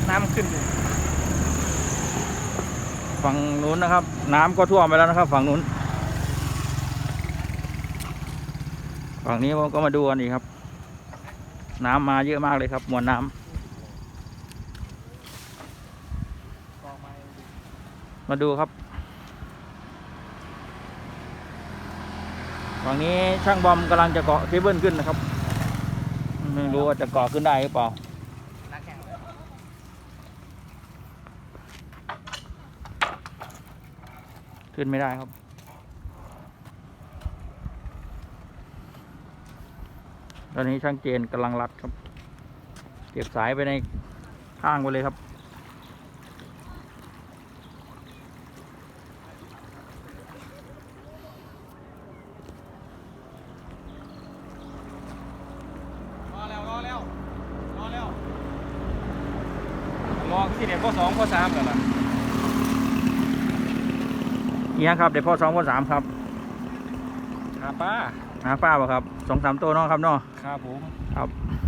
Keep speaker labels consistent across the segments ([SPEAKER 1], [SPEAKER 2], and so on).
[SPEAKER 1] น้ำขึ้นอยู่
[SPEAKER 2] ฝั่งนู้นนะครับน้ำก็ท่วมไปแล้วนะครับฝั่งนู้นฝั่งนี้ผมก็มาดูกันอีกครับน้ำมาเยอะมากเลยครับมวลน้ำมาดูครับฝั่งนี้ช่างบอมกำลังจะเกาะเคเบิลขึ้นนะครับไม่รู้ว่าจะเกาะขึ้นได้หรือเปล่าขึ้นไม่ได้ครับตอนนี้ช่างเจนกำลังรัดครับเก็บสายไปในข้างไปเลยครับ
[SPEAKER 1] รอที่เด็กข้อ2ข้อ3กันล่ะ
[SPEAKER 2] เอียงครับเดี๋ยวพ่อ2พ่อ3ครับ
[SPEAKER 1] หาป้า
[SPEAKER 2] ป่ะครับ2-3ตัวน้องครับน้อง
[SPEAKER 1] ครับผม
[SPEAKER 2] ครับ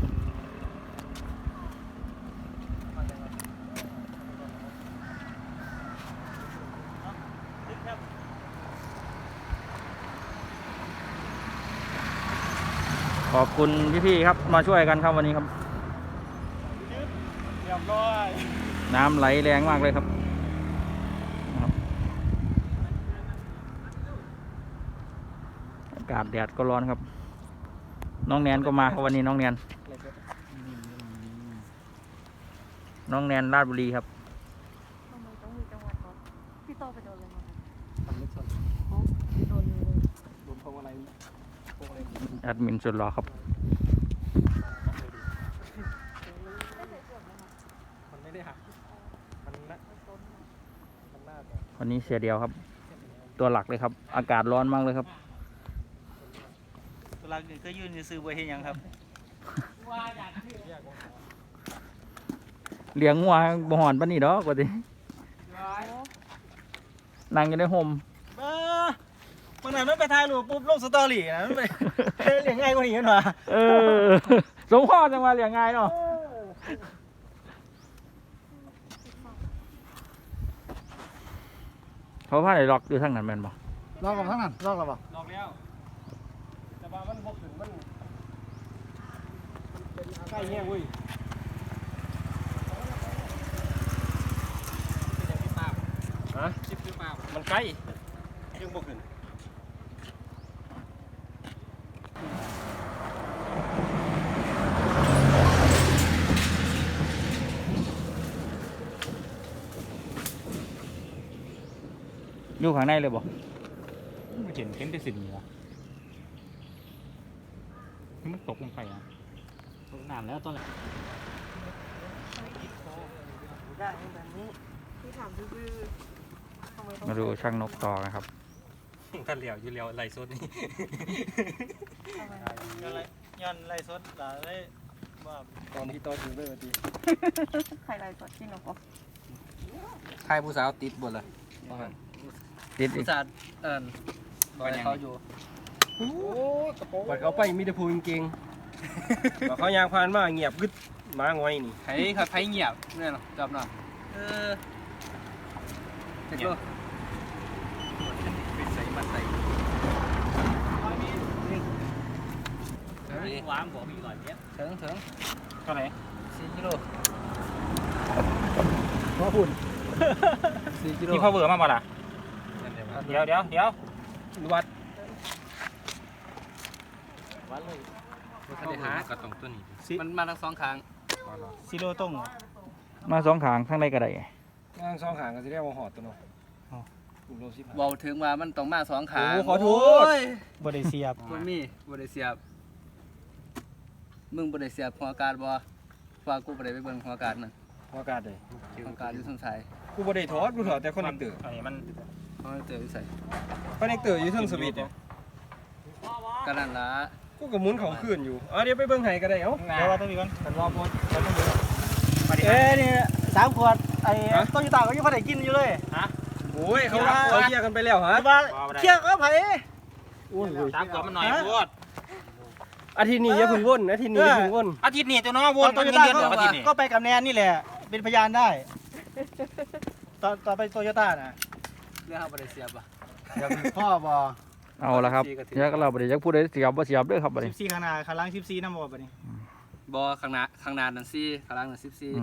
[SPEAKER 2] ขอบคุณพี่ๆครับมาช่วยกันครับวันนี้ครับ
[SPEAKER 1] เรียบร้อย
[SPEAKER 2] น้ำไหลแรงมากเลยครับอากาศแดดก็ร้อนครับน้องแนนก็มาครับวันนี้น้องแนนราชบุรีครับ
[SPEAKER 3] ทำไมต้องมีจังหวัดก่อนพี่โตไปโดนอะไรมา
[SPEAKER 1] ทำไม่ชน
[SPEAKER 3] โดน
[SPEAKER 1] พวงอะไร
[SPEAKER 2] แอดมินสุดหล่อครับ
[SPEAKER 1] มันไม่ได้หักมันน่า
[SPEAKER 2] วันนี้เสียเดียวครับตัวหลักเลยครับอากาศร้อนมากเลยครับ
[SPEAKER 1] ตัวหลักก็ยืนซื้อไว้ให้ยังครับ
[SPEAKER 2] เลี้ยงงัวบ่หอนปานนี้ดอกว่าตินั่งอยู่ในโฮม
[SPEAKER 1] วันนั้นมันไปถ่ายรูปปุ๊บลงสตอรี่นะมันไปเลี้ยงง่ายกว่านี้กันวะ
[SPEAKER 2] สมพ่อจังว่าเลี้ยงง่ายเนาะเขาพาได้ล็อกอยู่ทางนั้นแม่นบ่
[SPEAKER 1] ลอกกับทั้งนั้นลอกแล้วบ่ลอกแล้วแต่ว่ามันบกถึงมันใกล้แห้งเว้ยฮะชิปหรือเปล่ามันใกล้ยังบกถึง
[SPEAKER 2] อยู่ข้างในเลยบ่
[SPEAKER 1] ไม่เห็นแต่สิ่งนี้วะมันตกลงไปอ่ะตกนานแล้วตอนแรกได้แบบนี้
[SPEAKER 3] พี่ถามดื้อทำไมต้อง
[SPEAKER 2] มาดูช่างนกต่อกันครับ
[SPEAKER 1] ท่านเหลียวอยู่เหลียวไหลสดนี่ย้อนไหลสดได้ว่าตอนที่โตถึงด้วยวันที่
[SPEAKER 3] ใครไรสดที่นกบอก
[SPEAKER 1] ใครผู้สาวติดบนเลย
[SPEAKER 2] ติดอี
[SPEAKER 1] ผู้
[SPEAKER 2] ก
[SPEAKER 1] สาวบอกเขาอยู่บัดเขาไปมีแต่พูจริงๆบอกเขายางพานมาเงียบกึดมาง่อยนี่ใครครับใครเงียบเนี่ยหรอจับหน่อยเจ็บด้วยปิดใส่มาใส่วางบอกมี100 เมตรถึงเท่าไหร่4 กิโลพ่อหุ่น4 กิโล
[SPEAKER 2] นี่พ่อเบื่อมากป่ะล่ะเดี๋ยว
[SPEAKER 1] วัดเลยเขาหากระตรงตัวนี้มันมาทั้ง2 ข้าง
[SPEAKER 4] ซีโร่ต้ง
[SPEAKER 2] มา2ขางข้างในก็ได้
[SPEAKER 1] ทั้ง2 ข้างก็จะเรียกว่าหอดตัวเนาะ
[SPEAKER 5] เบาถึงว่ามันต้องมา2 ขา
[SPEAKER 1] โอ้ขอโทษ
[SPEAKER 4] บริเซียบ
[SPEAKER 5] มันมีบ่ได้เสียบมึงบ่ได้เสียบหัวอากาศบ่ว่ากูบ่ได้ไปเบิ่งหัวอากาศนั่น
[SPEAKER 1] หัวอากาศเลย
[SPEAKER 5] หัวอากาศอยู่ทางซ้าย
[SPEAKER 1] กูบ่ได้ถอดกูถอดแต่คอนเนคเตอร์
[SPEAKER 2] อันนี้มัน
[SPEAKER 5] เพราะมันเจออยู่ไส
[SPEAKER 1] คอนเนคเตอร์อยู่เทิงสวิตช์เนี่ย
[SPEAKER 5] ก็นั่นล่ะ
[SPEAKER 1] กูก็หมุนเขาขึ้นอยู่เดี๋ยวไปเบิ่งให้ก็ได้เอ้า
[SPEAKER 4] เดี๋ยวว่าต้องมีก่อน
[SPEAKER 1] ฉันรอพอ
[SPEAKER 4] นี่3 ขวดไอ้ต้นยูตาก็ยังพอได้กินอยู่เลยฮะ
[SPEAKER 1] โอ้ยเขาเคลียร์กันไปแล้วฮะ
[SPEAKER 4] ว่าเที่ยงก็ไผ
[SPEAKER 2] 3 ขวดมันหน่อยพูด
[SPEAKER 1] อาทิตย์นี้อย่าเพิ่งวนอาทิตย์นี้อย่าเพิ่งวน
[SPEAKER 2] อาทิตย์นี้ตัวน้องวน
[SPEAKER 4] ต้นยูตาก็ไปกับแนนนี่แหละไปเป็นพยานได้ต่อไปโตโยต้าน่ะ
[SPEAKER 5] เรื่องเฮาบ่ได้เสียบอ่ะ
[SPEAKER 4] เดี๋ยวพ่อบอ
[SPEAKER 2] เอาละครับเดี๋ยวก็เราบ่ได้จักพูดได้เสียบบ่เสียบเด้อครับบัดนี้
[SPEAKER 4] 14ข้างหน้าข้างหลัง14นำบ่บัดนี้
[SPEAKER 5] บ่ข้างหน้านั่น4ข้างหลังนั่น14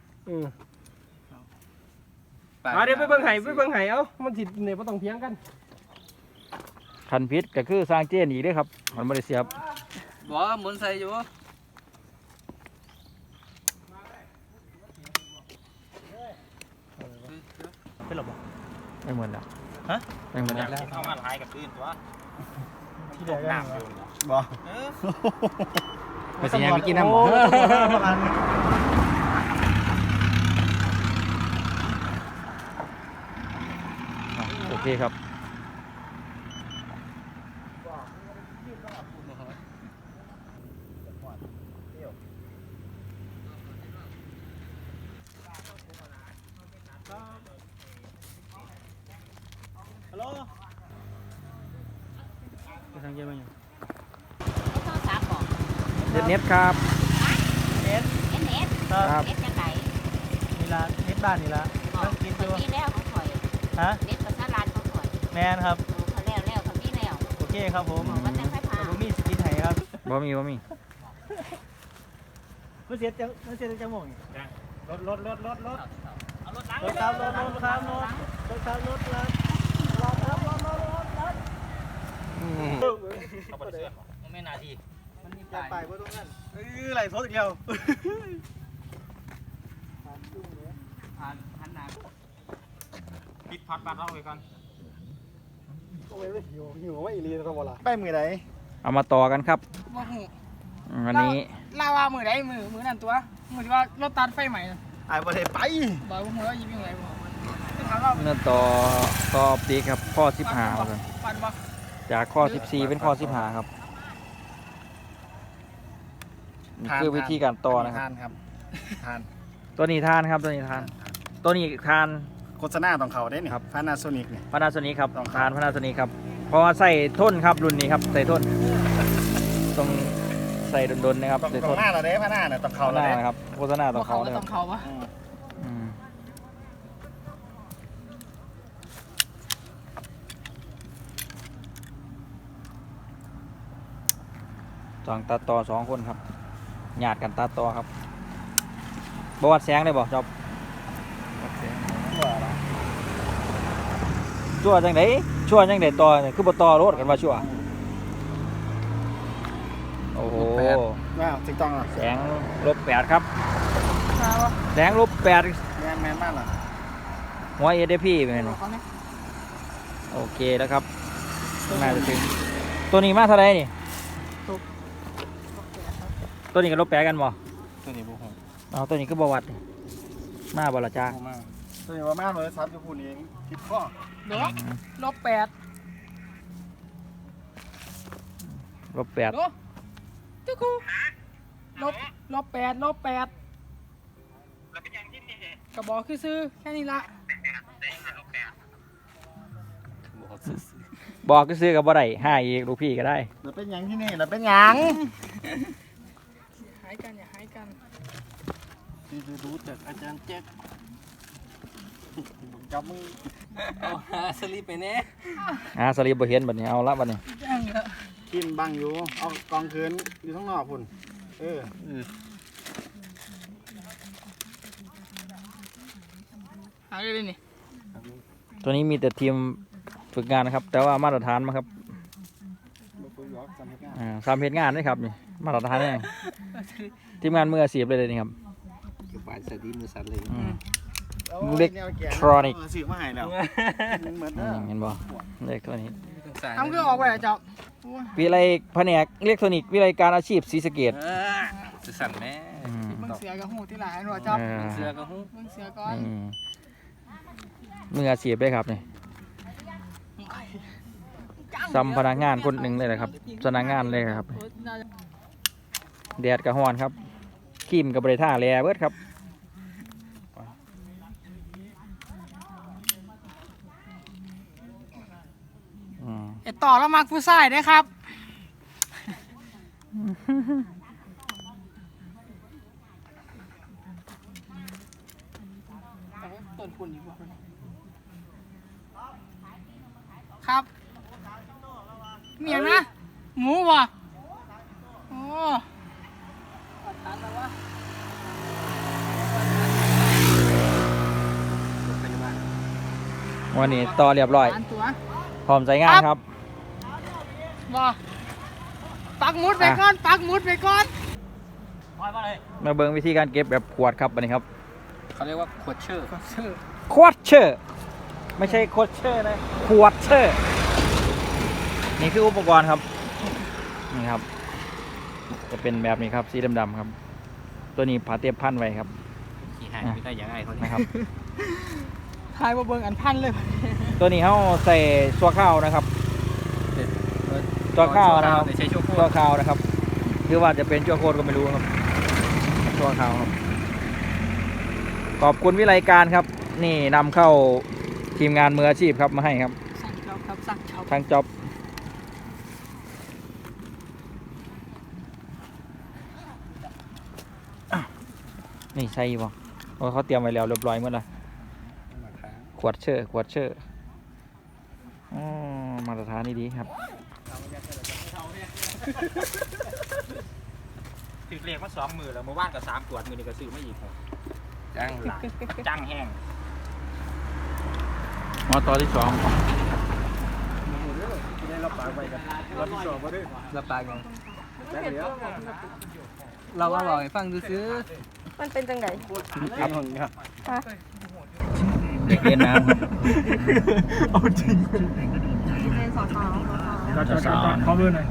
[SPEAKER 1] มาเดี๋ยวไปเบิ่งไห้เอ้ามันสิเนี่ยบ่ต้องเถียงกัน
[SPEAKER 2] คันพิษก็คือสร้างเจนอีกเด้อครับมันบ่ได้เสียบ
[SPEAKER 5] บ่หมุนใส่อยู่
[SPEAKER 4] เป็นหรอบ่
[SPEAKER 2] ไม่เหมือนแล้ว
[SPEAKER 4] ฮะ
[SPEAKER 2] ไม่เหมือนแล้ว
[SPEAKER 4] เข้ามาหลายกับตื้นตัวที่เดียวกันบ่
[SPEAKER 2] ไปสิยังไปกินน้ำ
[SPEAKER 4] โอ้
[SPEAKER 2] บ่
[SPEAKER 4] ประมาณ
[SPEAKER 2] โอเคครับ
[SPEAKER 4] ฮัลโหลไปทางเย็นมาอยู่
[SPEAKER 3] โทรศัพท์บอก
[SPEAKER 2] เน็ตครับ
[SPEAKER 4] เน็ต
[SPEAKER 3] เน็ต
[SPEAKER 4] ครับ
[SPEAKER 3] เน็ตจังไหน
[SPEAKER 4] นี่ละเน็ตบ้านนี่ละ
[SPEAKER 3] บอก
[SPEAKER 4] กิน
[SPEAKER 3] ค
[SPEAKER 4] อน ยู่
[SPEAKER 3] นี้แล้วของข่อย
[SPEAKER 4] ฮะ
[SPEAKER 3] เน็ตประชารัฐของข่อย
[SPEAKER 4] แมนครับ
[SPEAKER 3] เขาแล้วคนนี้แล้ว
[SPEAKER 4] โอเคครับผม
[SPEAKER 3] บอกว่าแต่ไฟฟ้า
[SPEAKER 4] ผมมีสกินไห้ครับ
[SPEAKER 2] บ่มี
[SPEAKER 4] มันเสียจังหวะนี่รถครับรถครับรถ
[SPEAKER 5] ไม่นาทีมันมี
[SPEAKER 4] อย่า
[SPEAKER 5] ป้าย
[SPEAKER 4] ไปว่าตรงนั้นไหลโทษอีกแล้ว
[SPEAKER 5] หันหน้า
[SPEAKER 4] ปิดพัดบ้านเราไปก่อนโอ้ยหิวว่าอีลีนะบ่ล่ะไปมือไหน
[SPEAKER 2] เอามาต่อกันครับ
[SPEAKER 6] บ่ฮู้
[SPEAKER 2] อันนี้
[SPEAKER 6] ลาว่ามือใดมือนั่นตัวมือที่ว่ารถตัดไฟใหม่น่ะ
[SPEAKER 4] ไอ้บ่ได้ไป
[SPEAKER 6] บ่บ่ฮู้ว่ายิบยังไงบ่คือถามว่า
[SPEAKER 2] เนื้อต่อปีกครับข้อ15ครับ
[SPEAKER 6] ปันบ่
[SPEAKER 2] จากข้อ14เป็นข้อ15ครับนี่คือวิธีการต่อนะครับ
[SPEAKER 4] ทานครับทาน
[SPEAKER 2] ตัวนี้ทานครับตัวนี้ทาน
[SPEAKER 4] โฆษณาต้องเขาได้นี่
[SPEAKER 2] ครับ
[SPEAKER 4] พานาโซนิกนี่
[SPEAKER 2] พานาโซนิกครับ
[SPEAKER 4] ต้องครับ
[SPEAKER 2] ทานพานาโซนิกครับเพราะว่าใส่ทนครับรุ่นนี้ครับใส่ทนต้องใส่ดนๆนะครับ
[SPEAKER 4] ต้อง
[SPEAKER 2] ใส่ท
[SPEAKER 4] ต้อง
[SPEAKER 2] น
[SPEAKER 4] หน้าเราได้พานาเนี่ยต้องเขา
[SPEAKER 2] ห
[SPEAKER 4] เรา
[SPEAKER 2] น้า
[SPEAKER 4] ได้
[SPEAKER 2] นะครับโฆษณาต้
[SPEAKER 6] บ่
[SPEAKER 2] อง
[SPEAKER 6] เขา
[SPEAKER 2] เขา
[SPEAKER 6] ก็
[SPEAKER 2] เลยค
[SPEAKER 6] ต้
[SPEAKER 2] รั
[SPEAKER 6] อบ งเขาบ่
[SPEAKER 2] อืมสองตาต่อ2คนครับญาติกันตาต่อครับบวัดแสงได้บ่จอบชั่วจังไดชั่วจังไดต่อเนี่ยคือบ่ต่อรถกันว่าชั่วโอ้โห
[SPEAKER 4] ว้าวถูกต้องอ่ะ
[SPEAKER 2] แสง-8ครับ
[SPEAKER 6] มาบ่
[SPEAKER 2] แสง-8
[SPEAKER 4] แมนมากล่ะ
[SPEAKER 2] หัว ADP เป็นไง
[SPEAKER 6] บอกเขาเนี่ย
[SPEAKER 2] โอเคแล้วครับน่าจะถึงตัวนี้มาเท่าไหร่นี่ตัวนี้กับ-8กันบ่
[SPEAKER 4] ตัวนี้บุกหง
[SPEAKER 2] เอาตัวนี้ก็บ่วัดนี่มาบ่ละจ้า
[SPEAKER 4] มากตัวนี้ว่ามากเลยซับจะพูดเองคิดข้อ
[SPEAKER 6] เด้อลบ8
[SPEAKER 2] -8
[SPEAKER 6] เด้อจุกูลบ8แล้วเป็นยังที่นี่ก็บอกคือซื้อแค่นี้ละ
[SPEAKER 2] บอกก็ซื้อกับบ่ได้ให้อีกลูกพี่ก็ได้
[SPEAKER 4] เราเป็นยังที่นี่เราเป็นยัง
[SPEAKER 6] หายกันอย่าหายกัน
[SPEAKER 4] ที่รู้จากอาจารย์แจ็คจับมือ
[SPEAKER 5] เอาหาสลิปไปแน่
[SPEAKER 2] สลิปบ่เห็นบัดนี้เอาละบัดนี้
[SPEAKER 6] ยังเหรอ
[SPEAKER 4] กินบังอยู่เอากองคืนอยู่ข้างนอกพุ่นเออ
[SPEAKER 6] หายเลยนี่
[SPEAKER 2] ตัวนี้มีแต่ทีมฝึกงานนะครับ แต่ว่ามาตรฐานมาครับ
[SPEAKER 4] บ่คุยหรอกสำนักงาน
[SPEAKER 2] สามเพจงานนี่ครับนี่มาตรฐานนี่ทีมงานมืออาชีพเลยนี่ครับ
[SPEAKER 5] คือปลายสดีมือสั่นเลย
[SPEAKER 2] อืม
[SPEAKER 4] อา
[SPEAKER 2] เล็ก
[SPEAKER 4] แนวแก่
[SPEAKER 2] ทรอนิก
[SPEAKER 4] ซื้อมาให้แล้วเหมือน
[SPEAKER 2] เห็นบ่เลขตัวนี้
[SPEAKER 6] ทำเครื่องออกไปเหรอจ๊อบโอ้ย
[SPEAKER 2] วิไลแผนกอิเล็กทรอนิกส์วิไลการอาชีพศรีสะเกษ
[SPEAKER 5] จะสั่นแม่
[SPEAKER 6] มึงเสือกับหูที่หลายหน่อยจ๊อบ
[SPEAKER 5] เสื้อก็หู
[SPEAKER 6] มึงเสือก่อน
[SPEAKER 2] มืออาชีพเลยครับนี่ซ้ำพนักงานคนหนึ่งเลยนะครับพนักงานเลยครับ
[SPEAKER 6] โอ้ยน่าจะ
[SPEAKER 2] แดดกับฮ้อนครับครีมกับบริท่าแลเบิดครับอืม
[SPEAKER 6] ไอต่อแล้วมักผู้ชายนะครับ
[SPEAKER 2] อ
[SPEAKER 6] ต้นพุ่นอยู่บ่ครับมีอย่างนะหมูบ่โอ้ทานแล้ววะ
[SPEAKER 2] วันนี้ต่อเรียบร้อย
[SPEAKER 6] ทานตัว
[SPEAKER 2] พร้อมใช้งานครับ
[SPEAKER 6] บ่ปักหมุดไปก่อนปักหมุดไปก่อน
[SPEAKER 2] มาเบิ่งวิธีการเก็บแบบขวดครับวันนี้ครับ
[SPEAKER 5] เขาเรียกว่าขวดเชื่อ
[SPEAKER 2] ขวดเชอร์ไม่ใช่โคดเชอร์นะขวดเชอร์นี่คืออุปกรณ์ครับนี่ครับ จะเป็นแบบนี้ครับสีดำๆครับ ตัวนี้ผาเตียบพันไว้ครับ
[SPEAKER 1] ขี้หายไม่ได้อย่างไรเขา
[SPEAKER 2] นะครับ
[SPEAKER 6] ทายมาเบิ่งอันพันเลย
[SPEAKER 2] ตัวนี้เขาใส่ซัวข้าวนะครับซัวข้าวนะครับ
[SPEAKER 1] ใช้ชั่วโค
[SPEAKER 2] ซัว
[SPEAKER 1] ตร
[SPEAKER 2] ข้าวนะครับคือว่าจะเป็นชั่วโคตรก็ไม่รู้ครับซัวข้าวครับขอบคุณวิไลการครับ นี่นำเข้าทีมงานมืออาชีพครับมาให้ครับ
[SPEAKER 6] สั่งเจ้าครับสั่งเจ้า
[SPEAKER 2] ทางจ็อบนี่ใช่ป่ะเพราะเขาเตรียมไว้แล้วเรียบร้อยหมดละขวดเชอร์ขวดเชอร์อ๋อมาตรฐานนี่ดีครับ
[SPEAKER 1] ถือเลขมา2 มือแล้วเมื่อวานกับ3 ขวดมือนี้ก็ซื้อมาอีกครับจังหลายจังแห้ง
[SPEAKER 2] มาต่อที่ 2
[SPEAKER 1] ได้รับปากไปกันรับผิดชอบมาด้วย
[SPEAKER 5] รับปากกัน
[SPEAKER 1] ได้เดี๋ยว
[SPEAKER 5] เราอร่อยฟังดูซื้อ
[SPEAKER 3] มันเป็นจังไง
[SPEAKER 1] ครับครับ
[SPEAKER 3] ฮะ
[SPEAKER 2] เด็กเล่นน้ำครับ
[SPEAKER 1] เอาจริง
[SPEAKER 3] เป็นสาว
[SPEAKER 2] สาว
[SPEAKER 1] ขอเบอร์หน่อย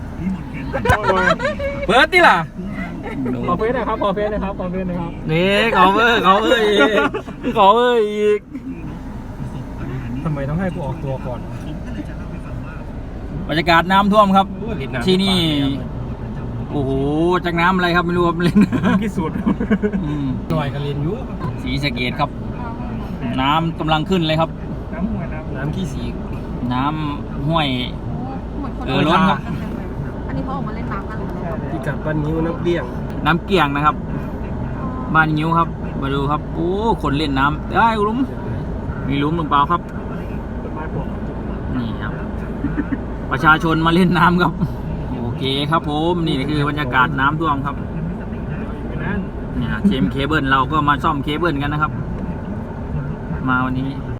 [SPEAKER 1] เปิดดิล่ะขอเฟซหน่อยครับขอเฟซหน่อยครับขอเฟซหน่อยครับ
[SPEAKER 2] นี่เขาเบอร์อีกเขาเบอร์อีก
[SPEAKER 1] ทำไมต้องให้กูออกตัวก่อน
[SPEAKER 2] บรรยากาศน้ำท่วมครับ ที่นี่โอ้โหจากน้ำอะไรครับไม่รู้ครับเล่น
[SPEAKER 1] กี่สุด
[SPEAKER 2] อืม
[SPEAKER 1] หน่อยกันเรียนอยู่
[SPEAKER 2] สีสะเกตครับ น้ำกำลังขึ้นเลยครับ
[SPEAKER 1] น้ำขี้สี
[SPEAKER 2] น้ำห้วย
[SPEAKER 3] เหมือนคน
[SPEAKER 2] ล้นครับ
[SPEAKER 3] อันนี้เขาออกมาเล่นน้ำกันหรือเปล่า
[SPEAKER 1] ที่กัดบ้านนิ้วน้ำเลี้ยง
[SPEAKER 2] น้ำเกี่ยงนะครับบ้านยิ้วครับมาดูครับโอ้คนเล่นน้ำได้หลุมมีหลุมหรือเปล่าครับนี่ครับ ประชาชนมาเล่นน้ำครับโอเคครับผมนี่คือบรรยากาศน้ำท่วมครับเนี่ยทีมเคเบิลเราก็มาซ่อมเคเบิลกันนะครับ มาวันนี้